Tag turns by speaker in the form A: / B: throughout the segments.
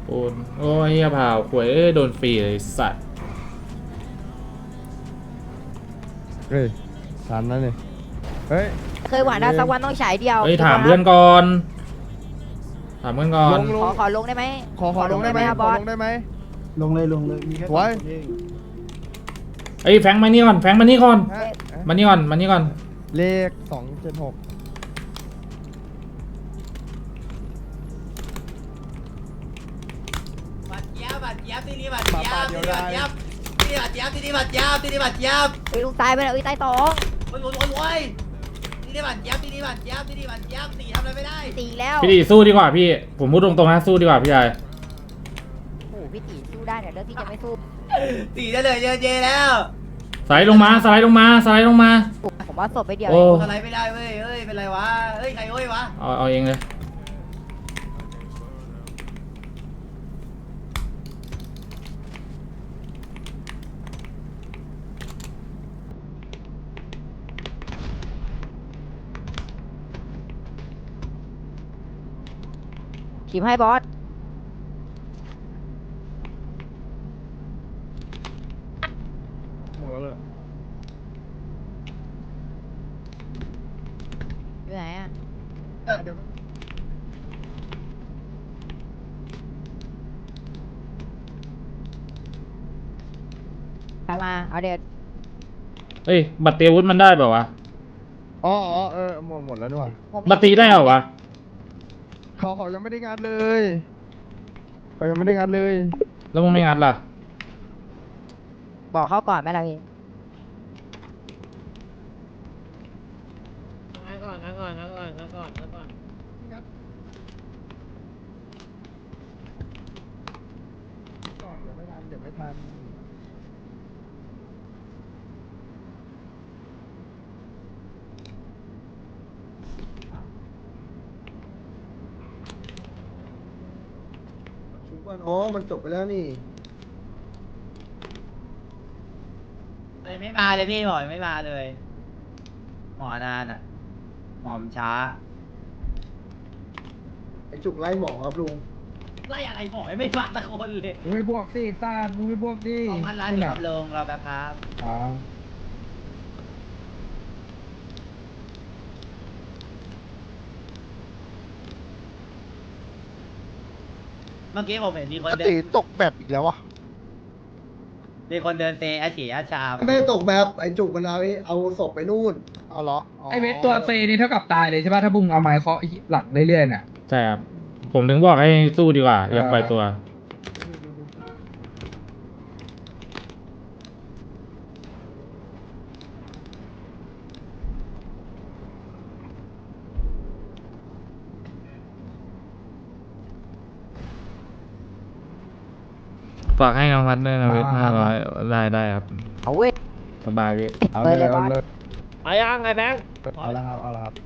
A: โอนโอ้ยเฮียเผาขวยโดนฟรีเลยสัตว์
B: เฮ้ยทันแล้วนี่เฮ้ย
C: เคยหวานได้สักวันต้องฉายเดียว
A: เฮ้ยถามเพื่อนก่อนถามเพื่อนก่อน
C: ขอลงได้ไหม
B: ขอลงได้ไหม
C: ครับ
B: ข
C: บ
B: อ
C: อส
B: ลงได้ไหม
D: ลงเลยมีแค่
B: ไว้
D: สองคนเอง
A: เอ้ยแฟงมานี่ก่อนแฟงมานี่ก่อน
B: ฮะ
A: มานี่ก่อนมานี่ก่อน
B: เลข276
E: บัดเจี๊ยบบัดเจี๊ยบที่นี่บัดเจี๊ยบที่นี่บัดเจี๊ยบที่นี่บัดเจี๊ยบที่นี่บัดเจี๊ยบที่นี่บัดเจี๊ยบ
C: เฮ้ยลุงตายไปแล้วเอ้ยตายตอง
E: โอ้ยโอ้ยโอ้ยที่นี่บัดเจี๊ยบที่นี่บัดเจี๊ยบที่นี่บัดเจี๊ยบตีทำอะไรไม่ได้
C: ตีแล้ว
A: พี่ดีสู้ดีกว่าพี่ผมพูดตรงๆนะสู้ดีกว่าพี่ชาย
C: โอ้โหพี่ตีสู้ได้เนี่ยเรื่องที่จะไม่สู้
E: ตีได้เลยเจแล้ว
A: สไลด์ลงมาสไลด์ลงมาสไลด์ลงมา
C: ผมว่าศพไปเดียว
A: โอ้
E: อะไรไม่ได้เว้ยเอ้ยเป็นไรวะเอ้ยใครเอ้ยวะ
A: เอาเองเลย
C: ทีมให้บอส
B: หมดแล้วเลย
C: อยู่ไหนอ่ะ
B: เดี๋ยว
C: กลับมาเอาเด็ด
A: เฮ้ยบัตรเตรียมอาวุธมันได้เปล่าวะ
B: อ๋อหมดแล้วด้วย
A: บัตรตีได้เหรอวะ
B: เขายังไม่ได้งานเลยเขายังไม่ได้งานเลย
A: แล้วมึงไม่งัดล่ะ
C: บอกเขาก่อนไหมล่ะพี่
B: เดี๋ยวไม่ทัน
D: ชุบก่อนอ๋อมันจบไปแล้วนี่
E: ไม่มาเลยพี่หมอไม่มาเลยหมอนานอ่ะหมอมช้า
D: ไอจุกไล่หมอครับลุง
E: ไล่อะไรหมอไม่มาตะคนเลย
B: มึงไม่บวกสิซ่ามึงไม่บวกสิ
E: 2,000 ล้านครับลงเราแบบครับ
B: อ๋อ
E: เมื่อกี้ผมเห็นมีคนเดิ
D: ตี
E: น
D: ตกแบบอีกแล้ววะ
E: มีคนเดินเตะอาฉีอาชาม
D: ไม่ได้ตกแบบไอจุกมันเอาศพไปนู่นเอาเหรอ
F: ไอเวทตัวเซนี่เท่ากับตายเลยใช่ป่ะถ้าบุ้งเอาไม้เคาะหลังเรื่อยๆน่ะ
A: ใช่ครับผมถึงบอกให้สู้ดีกว่าอย่าปล่อยตัว ฝากให้น้องพัดด้วยนะเวท500ได้ครับ
C: เอาเว้ย
A: สบายพี่
B: เอาเลยเอาเลย
E: มายังไงแบงค์
B: เอาละครับเอาละครับ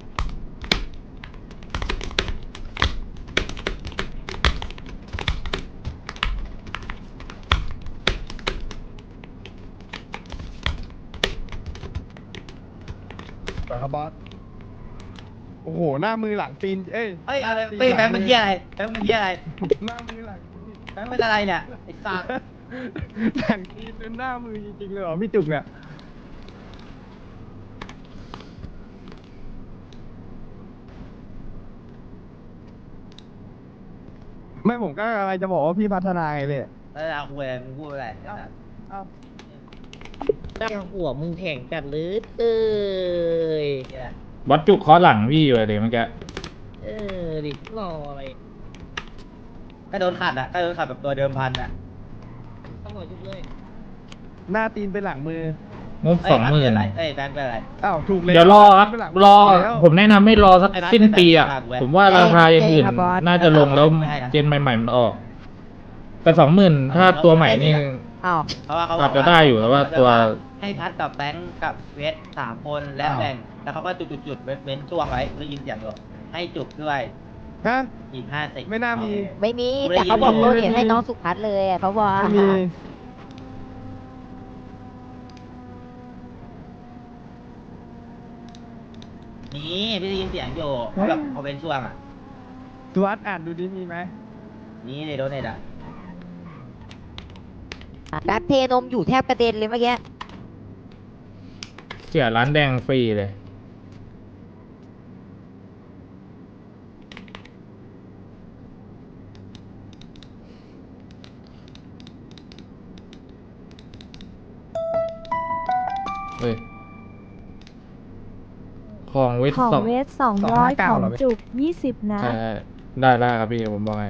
B: ไปครับบอสโอ้โหหน้ามือหลังตีนเอ้ย
E: เฮ้ยอะไรเฮ้ยแบงค์เป็นเหี้ยอะไรแบงค์เป็นเหี้ยอะไร
B: หน้ามือหลัง
E: แบงค์เป็นอะไรเนี่ยไอ้สัตว์
B: หลังตีนเป็นหน้ามือจริงๆเลยเหรอพี่จุกเนี่ยไม่ผมก็อะไรจะบอกว่าพี่พัฒนาไงเลย
E: แล้วเราคุยอะไรมึงพูดอะไร
B: เอา
G: หัวมึงแข็งจัดเลยเอ้ย
A: บอสจุกเคอหลังพี่อยู่เลยเมื่อกี้
G: เออดิรออะไร
E: ก็โดนขัดอ่ะก็โดนขัดแบบตัวเดิมพันอ่ะ
G: ต้องรอยุบเลย
B: หน้าตีนเป็นหลังมือ
A: งบ20,000
E: อะไรเอ้ยแบงค์เป็นอะไร
B: อ้าวถูกเลย
A: เดี๋ยวรอครับ
B: เป็นหลัง
A: รอ
B: แล้ว
A: ผมแนะนำให้รอสัก
E: ไอ้นัท
A: สิ้นปีอ่ะ
E: ไม่ได้
A: ผมว่าราคาอย่างอื่น
C: ครับบอส
A: น่าจะลงแล้ว
E: ไม่ให้นะ
A: เจนใหม่ๆมันออก แต่20,000ถ้าตัวใหม่นี่
C: อ้าว
E: เพราะว่าเขาบ
A: อา
E: อ
A: จ
E: ก
A: จะได้อยู่แต่ว่าตัว
E: ให้พัดกับแบงค์กับเวท3 คนและแบ่งแล้วเขาก็จุดๆเว้นช่วงไว้ได้ยินเสียงอยู่ให้จุกด้วย
B: ฮะ
E: อีก50
B: ไม่น่ามี
C: ไม่มีแต่เขาบอกว่าเห็นให้น้องสุพัฒน์เลยอะเขาบอก
B: ไม่มี
E: นี่พี่ได้ยินเสียงอยู่แบบเขาเป็นช่วงอ่ะ
B: สวัสดอ่านดูดิมีไหม
E: นี่ในโดเนทอ่ะ
C: ดัดเทนมอยู่แทบกระเด็นเลยเมื่อกี้
A: เสียร้านแดงฟรีเลยเฮ้ยของเวท
H: ของ
A: สอง
H: เวท200 ของจุก20 นะ
A: ใช่ได้ครับพี่ผมบอกให้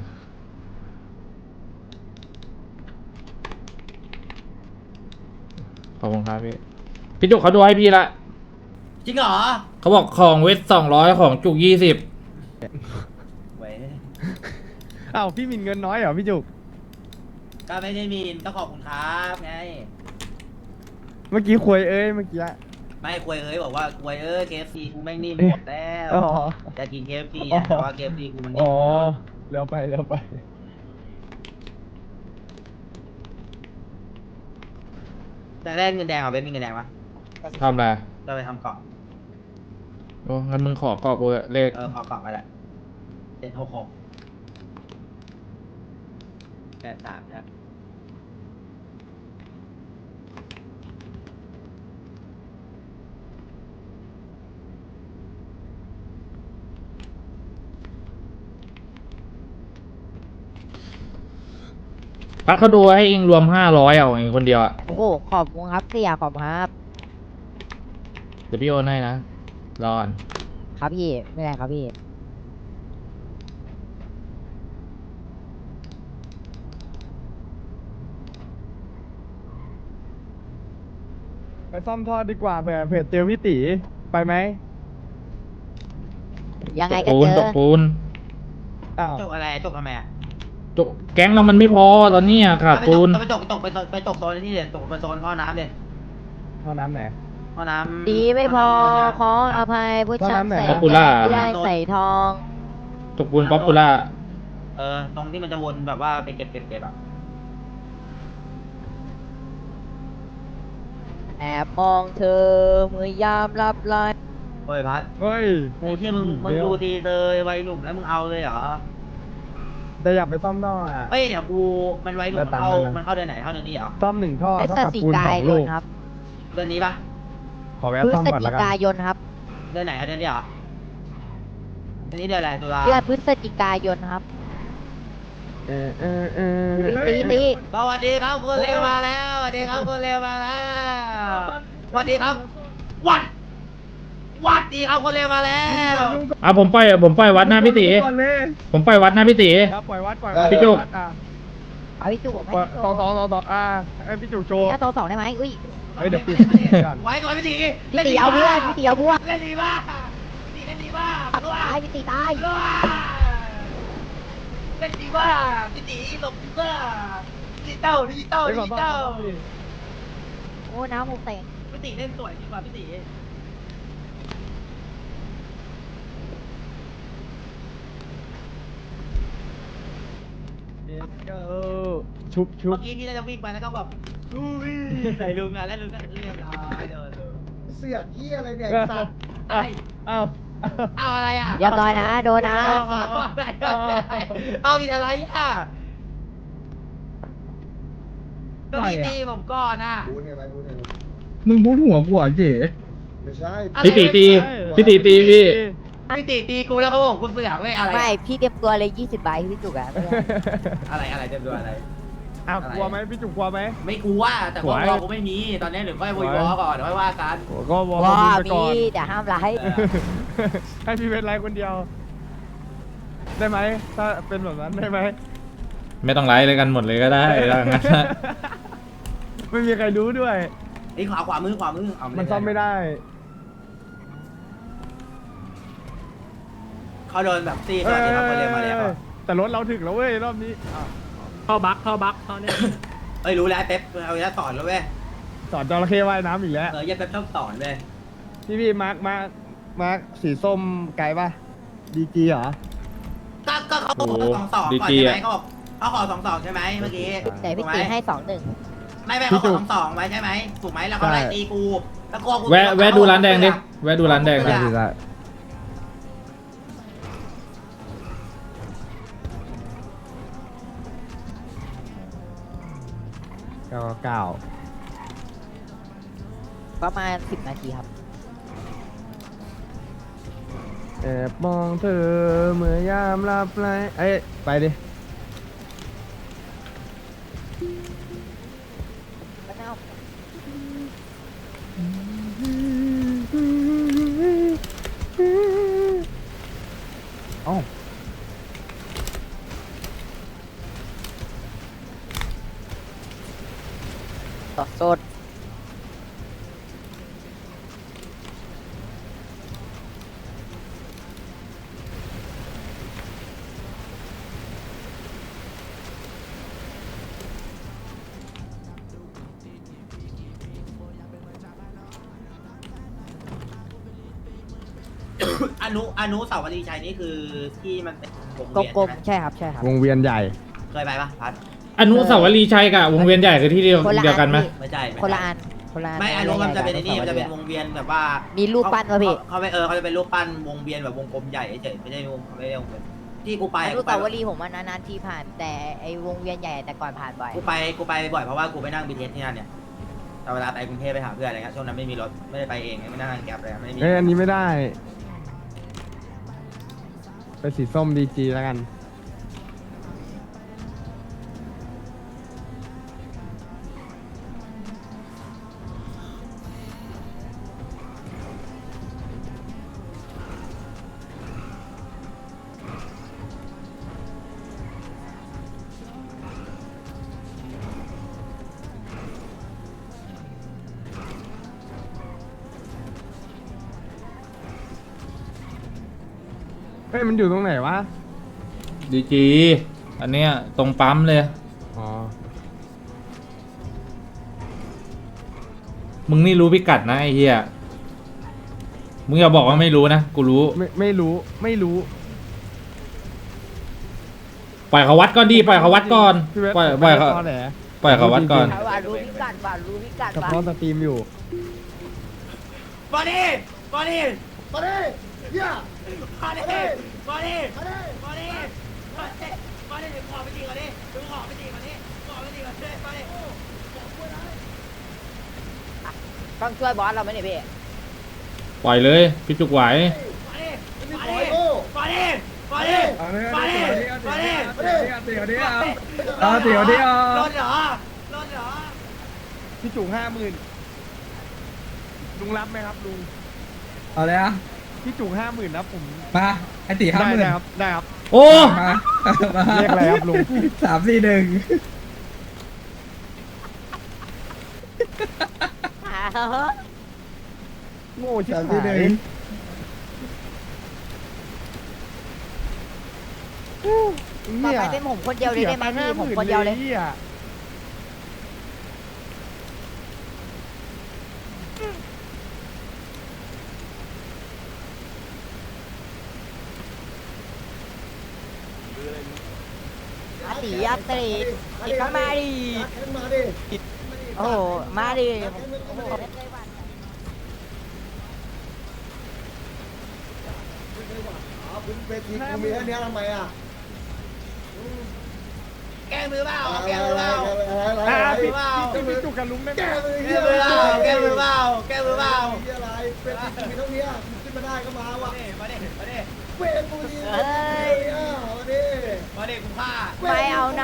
A: ขอบคุณครับพี่จุกเขาดูให้พี่ละ
E: จริงเหรอ
A: เขาบอกของเวท200ของจุก20
E: เว้ย
B: อ้าวพี่มินเงินน้อยเหรอพี่จุก
E: ก็ไม่ได้มีต้องขอบคุณครับไง
B: เมื่อกี้คุยเมื่อกี้
E: ไม่ควยเอ้ยบอกว่าควยKFC กูแม่งนิ่มหมดแล้ว
B: อ๋อ
E: จะกิน KFC อ่ะแต่ว่า KFC กูมันนิ่
B: อ๋
E: ม
B: อเร็วไป
E: แต่ได้เงินแดงเหรอเป็นมีเงินแดงปะ
A: ทำอะไร
E: เราไปทำเกาะ
A: โอ้งั้นมึงขอกรอบกูเถอะเลข
E: ขอเกาะไปแหละ766 83ครับ
A: พักเขาดูให้เองรวม500เอาเองคนเดียวอะ
C: โอ้โหขอบคุณครับเสียขอบคุณครับ
A: เดี๋ยวพี่โอนให้นะรอก่อน
C: ครับพี่ไม่เป็นไรครับพี่
B: ไปซ่อมท่อดีกว่าเผื่อเจอพี่ตีไปไหม
C: ยังไง
A: ต
C: ก็
A: ปู
C: เจ
A: น
C: อ
A: ตกปูน
B: อ้าว
E: จบอะไรจบทำไมอ่ะ
A: จกแก๊งเรามันไม่พอตอนนี้อะขาดปูน
E: ไปตกโซนนี่เลยตกไปโซนท่อน้ำเลย
B: ท่อน้ำไหน
E: ท่อน้ำ
C: ดีไม่พอขออภัยผู้ชายใส่
A: ป๊อปปูล่า
C: ไม่ได้ใส่ทอง
A: ตกปูนป๊อปปูล่า
E: ตรงที่มันจะวนแบบว่าไปเก็บอ่ะ
C: แอบมองเธอเมื่อยามรับไลน์
E: เฮ้ยพัด
B: เฮ้ย
E: โอ้ที่มึงดูทีเลยวัยรุ่นแล้วมึงเอาเลยเหรอ
B: แต่อยากไปซ่อมท่ออ่ะ
E: เฮ้ยเดี๋ยวกูมันวัยรุ่น
B: แล้วตังค์
E: มันเข้าเดือนไหนเข้าเดือนนี้เหรอ
B: ซ่อม1 ท่อ
C: พฤ
B: เท่า
C: ศ
B: กับ
C: จิ
B: ปูน
C: กา
B: 2
C: ย
B: ลู
C: น
B: ก
C: ครับ
E: เดือนนี้ปะ
B: ขอแวะ
C: พฤ
B: ซ่อม
C: ศ
B: ก่อน
C: จิ
B: แล้วกัน
C: กายนครับ
E: เดือนไหนเดือนนี้เหรอเดือนนี้เดือนอะไรตุลา
C: เดือนพฤศจิกายนครับ
B: เออ
C: ตี
E: สวัสดีครับคุณเร็วมาแล้วสวัสดีครับคุณเร็วมาแล้วสวัสดีครับวัดดีครับคุณเร็วมาแล้ว
A: อ่ะผมไปวัดหน้าพี่ตีผมไปวัดหน้าพี่ตี
B: ครับปล่อยวัด
A: พี่จุก
B: อ่ะ
C: เอาพี่จุกไหม
B: ต่อไอ้พี่จุกโชว์
C: ถ้าโต2ได้ไหมอุ้ย
B: เฮ้ยเดี๋ยวปิดก่อน
E: ไว้ก่อนพี่ตี
C: พี่ตีเอาเพื่อนพี่ตีเอาพวก
E: เล่นดีมากพี่เล่นดีมาก
C: ตายพี่ตีตาย
E: เล่นดีมากพี่ตีหลบดีมากดิจิตอล
C: โอ้น้ำมุกเตะ
E: พี่ตีเล่นสวยดีกว่าพี่ตี
B: ชุบ
E: เมื่อกี้ที่เราจะวิ่งไปแล้วก็แบบอุ้ยใส่ลุงอ่ะแล้วลุงก็เรียบร้อยเดิน
D: เสือกเหี้ยอะไรเนี่ยไอ้สัตว์
B: อ้าว
E: เอาอะไรอ่ะ
C: เรียบร้อยนะโดนนะ
E: เอาผิดอะไรอ่ะก็พี่ตีผมก่อนอ่ะ
D: พูดไงไหมพูดไงไหม
F: มึงพูดหัวกูเหรอเจ๋
D: ไม่ใช่
A: พี่ตีตีพี่ตีตีพี่
E: พี่ตีตีกูแล้วเขาบอกคุณเสือกไม่อะไร
C: ไม่พี่เตรียมตัวเลย20ใบพี่จุกอะไม่เป็นไร
E: อะไรเต็มตัวอะไร
B: อ้าวกลัวไหมพี่จุกกลัวไหม
E: ไม่กลัวแต่ว่าวอกูไม่มีตอนนี้เดี๋ยวค่อยวอก่อนเดี๋ยวค่อยว่ากัน
B: ก็วอล
C: ว้า
B: ไปก่
C: มี
B: อน
C: แต่ห้ามไลฟ์
B: ให้พี่เป็นไรคนเดียว ได้ไหมถ้าเป็นแบบนั้นได้ไหม
A: ไม่ต้องไลฟ์เลยกันหมดเลยก็ได้ถ้างั้น
B: ไม่มีใครรู้ด้วย
E: ไอ้ขวามือเอา
B: มันซ่อมไม่ได้
E: เขาโดนแบบตีสวัสดีครับคนเรียนมาแล้ว
B: แต่รถเราถึงแล้วเว้ยรอบนี้อ้าว
G: เข้าบักเขาเนี่ย
E: เอ้ยรู้แล้วเป๊ปเอาอีกแล้วสอนแล้วเว้ย
B: สอนจระเข้ว่ายน้ำอีกแล้ว
E: อย่าเป๊ปชอบสอนเว้ย
B: พี่มาร์คสีส้มไกลป่ะดีจีเหรอ
E: ก็เขาขอ2-2ก่อนใช่ไหมเขาบอกเขาขอ2-2ใช่ไหมเมื่อกี้
C: แต่พี่ตีให้2-1
E: ไม่เขาขอ2-2ไว้ใช่ไหมถูกไหมแล้วเขาไล่ตีกูแล้วกู
A: แวะดูร้านแดงดิแวะดูร้านแดงดิ
B: ได้ 999
C: ประมาณ10 นาทีครับ
B: แอบมองเธอเมื่อยามหลับไหลเอ้ยไปดิ เอ้า
C: สด
E: อนุสาวรีย์ชัยนี่คือที่มันเป็นวง
C: ก
E: เวียน
C: ลม
E: ใช่ไหม
C: ๆใช่ครับใช่ครับ
B: วงเวียนใหญ่
E: เคยไปปะพัด
A: อนุสาวรีย์ชัยกับวงเวียนใหญ่คือที่เดียว
C: คนละ
A: เดียวกันไหม
C: อันพี่
E: ไม่ใช่ไม่ใช่
C: คนละอันคนละอัน
E: ไม่อนุมันจะเป็นไอ้นี่มันจะเป็นวงเวียนแบบว่า
C: มี
E: มี
C: รูปปั้นวะพี่
E: เขาไม่เขาจะเป็นรูปปั้นวงเวียนแบบวงกลมใหญ่เฉยไม่ได้วงไม่ได้วงเวียนที่กูไป
C: อนุสาวรีย์ผมว่านานๆทีผ่าน แต่ไอ้วงเวียนใหญ่แต่ก่อนผ่านบ่อย
E: กูไปบ่อยเพราะว่ากูไปนั่งบีเทสที่นั่นเนี่ยแต่เวลาไปกรุงเทพไปหาเพื่อนอะไรเงี้ยช่วงนั้นไม่มีรถไม่ได้ไปเองไม่นั่งแกร็บเลยไม่มี
B: เอ้ยอันนี้ไม่ได้ ไปสีส้มดีจีแล้วกัน เฮ้ย มันอยู่ตรงไหนวะ
A: ดีจีอันเนี้ยตรงปั๊มเลย
B: อ๋อ
A: มึงนี่รู้พิกัดนะไอ้เหี้ยมึงอย่าบอกว่าไม่รู้นะกูรู้
B: ไม่รู้ ไม่รู้
A: ปล่อยเขาวัดก่อนดีปล่อยเขาวัดก่อน
B: พี่เวท
A: ปล่อยเขา
B: ตอแหล
A: ปล่อยเขาวัดก่อน
C: ว่ารู้พิกัดว่ารู้พิกัด
B: เฉ
C: ว่า
B: พาะสตรีมอยู่
E: บอดี้บอดี้
D: มาดิเฮีย
E: บอดี้บอดี้บอดี้บอดี้บอดี้ขอไปตีก่อนดิขอไปตีก่อนดิขอไปตีก่อนดิบอดี้
C: ต้องช่วยบอสเราไหมเนี่ยพี่
A: ปล่อยเลยพี่จุกไหว
E: บอดี้บอดี้บอดี้บอดี้
F: เอาเลย
E: บอดี้บอดี้
F: เดี๋ยวนี้เอาเดี๋ยวนี้เอา
E: รถเหรอรถเหรอ
B: พี่จุ๋ง50,000 ลุงรับไหมครับลุง
F: เอาเลยอ่ะ
B: พี่จุ๋ง50,000นะผม
F: มาไอตี50,000
B: ได้ครับ ได้ครับ
A: โอ้
F: มามา
B: เรียกอะไรครับลุง
F: 3-4-1
B: โง่ชิบ
D: สาม
B: หา
D: ที่หนึ่
B: ย
D: ง
C: ต่อไปเป็นผมคนเดียวเลยได้ไหมพี่ผมคนเดียวเลย อาตีอาตีอีกก็มาดิ
D: มาดิ
C: โอ้โหมาดิ
D: คุณเวทีกูมีแค่นี้ทำไมอ่ะ
E: แก้มือเปล่าแก้มือเปล่า
B: พี่พี่จุกกับลุงได้ไหม
D: แก้มือ
E: แก้มือเปล่าแก้มือเปล่าแก้มือเปล่า
D: ที่อะไรเวทีกูมีเท่านี้ขึ้นมาได้ก็มาว่ะ
E: มาดิมาดิ
D: เวทกูดีมาดิ
E: มาดิกูฆ่า
C: ไม่เอานะ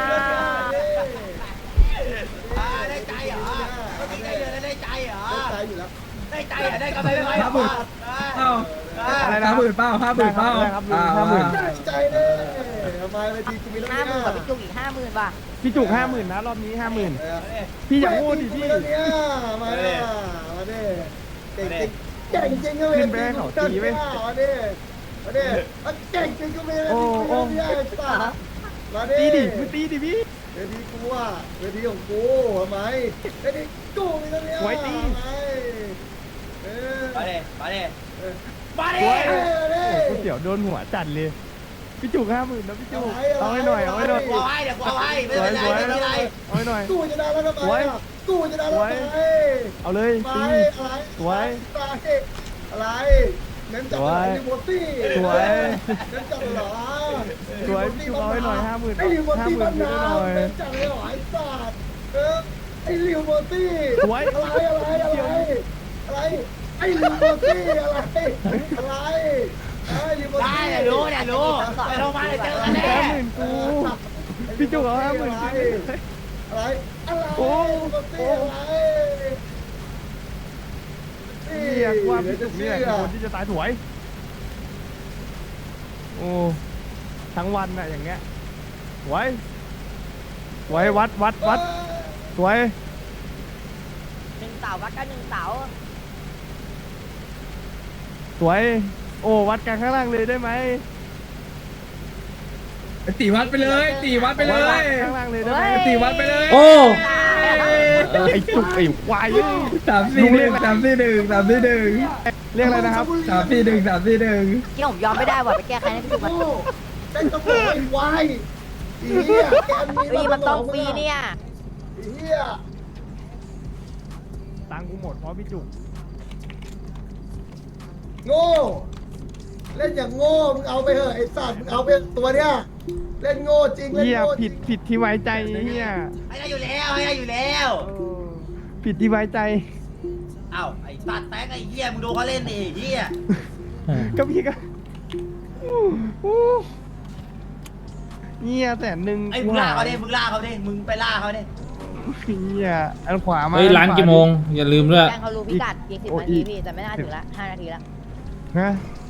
E: ได้ใจเหรอเมื่อกี้ได้เดือนได้ใจเหรอ
D: ใจอยู่แล้ว
E: ได้ใจเหรอได้กำไรไหม
F: เอ้าอะไรนะ50,000เป้า50,000เป้า
B: ครับลุง50,000
D: ใจเลยทำไมเวทีกูมีเท่านี้
C: 50,000กับพี่จุกอีก50,000ป่ะ
B: พี่จุก50,000นะรอบนี้50,000พี่อย่าพูดดิพี่
D: เนี้ยมาดิมาดิเก่งจริงเก่งจริงก็เวทีมาดิมาดิเก่งจริงก็เวทีมาดิ
B: ตีดิมึงตีดิพี่
D: เวทีกูอ่ะเวทีของกูทำไมเวทีกูมีเท่านี้ทำไม
E: มาดิมาดิมาดิ
B: กูเสียวโดนหัวจัดเลย พี่จุก50,000นะพี่จุกเอาให้หน่อยเอาให้หน่อย
E: กูเอาให้เดี๋ยวกูเอาให้ไม่เป็นไรไม่เป็นไร
B: เอาให้หน่อย
D: กูจะได้แล้วทำไมกูจะได้แล้วทำไม
B: เอาเลย
D: ไป
B: ตี
D: อะไร
B: สวย
D: อะไรเน้นจับอะไรดิโมตี้
B: สวย
D: เน้นจับเหรอ
B: สวยพี่จุกเอาให้หน่อย50,000
D: ไอ้ดิโมตี้
B: 50,000
D: บ้าน
B: พี่
D: นา
B: หน่อย
D: เน้นจับเลยหรอไอ้สัตว์ไอ้ลิวโบตี้
B: สวย
D: อะไรไอ้ลิวโบตี้อะไรไอ้ลิวโบตี้
E: ได้เดี๋ยวรู้เดี๋ยวรู้ไปโรงพยาบาลเดี๋ยวเจอกันแน่
B: 50,000กูพี่จุกเอา50,000กู
D: อะไรลิวโบตี้อะไร
B: เรียกว่าพี่จุกนี่แหละคือคนที่จะตายสวย โอ้ทั้งวันน่ะอย่างเงี้ยสวยสวยวัดสวย
C: 1 เสาวัดกัน1 เสา
B: สวย โอ้วัดกันข้างล่างเลยได้ไหม
F: ตีวัดไปเลยตีวัดไปเลย
B: ข้างล่างเลยได้ไหม
F: ตีวัดไปเลย
A: โอ้
B: ไอ้จุกไอ้ควาย
F: 341 341
B: เรียกอะไรนะครับ
F: 341
C: ที่ผมยอมไม่ได้ว่ะไปแก้ใครให้พี่จุกมัน
D: แกงกระโปรงไอ้วายอีเหี้ยแกมี
C: ฟรีมันต้องฟรีเนี่ย
D: อีเหี้ย
B: ตังค์กูหมดเพราะพี่จุก
D: โง่เล่นอย่างโง่มึงเอาไปเถอะไอ้สัตว์มึงเอาไปตัวเนี้ยเล่นโง่จริงเล่น
B: เฮีย
D: โง่จริ
B: ผิ
D: ง
B: ดที่ไว้ใจเฮีย
E: ให้ได้อยู่แล้วให้ได้อยู่แล้ว
B: ผิดที่ไว้ใจ
E: อ้าวไอ้สัตว์แตกไอ้เหี้ยมึงดูเขาเล่นดิเหี้ย
B: ก็พี่ก็เฮีย100,000
E: ไอ้มึงล่าเขาดิมึงล่าเขาดิมึงไปล่าเขาดิ
B: เฮียอันขวามา
A: เฮ้ยร้านกี่โมง อย่าลืมด้วย
C: แจ้งเขารู้พิกัดอีก10 นาทีพี่แต่ไม่น่าถึงละ5 นาทีละ
B: ฮะ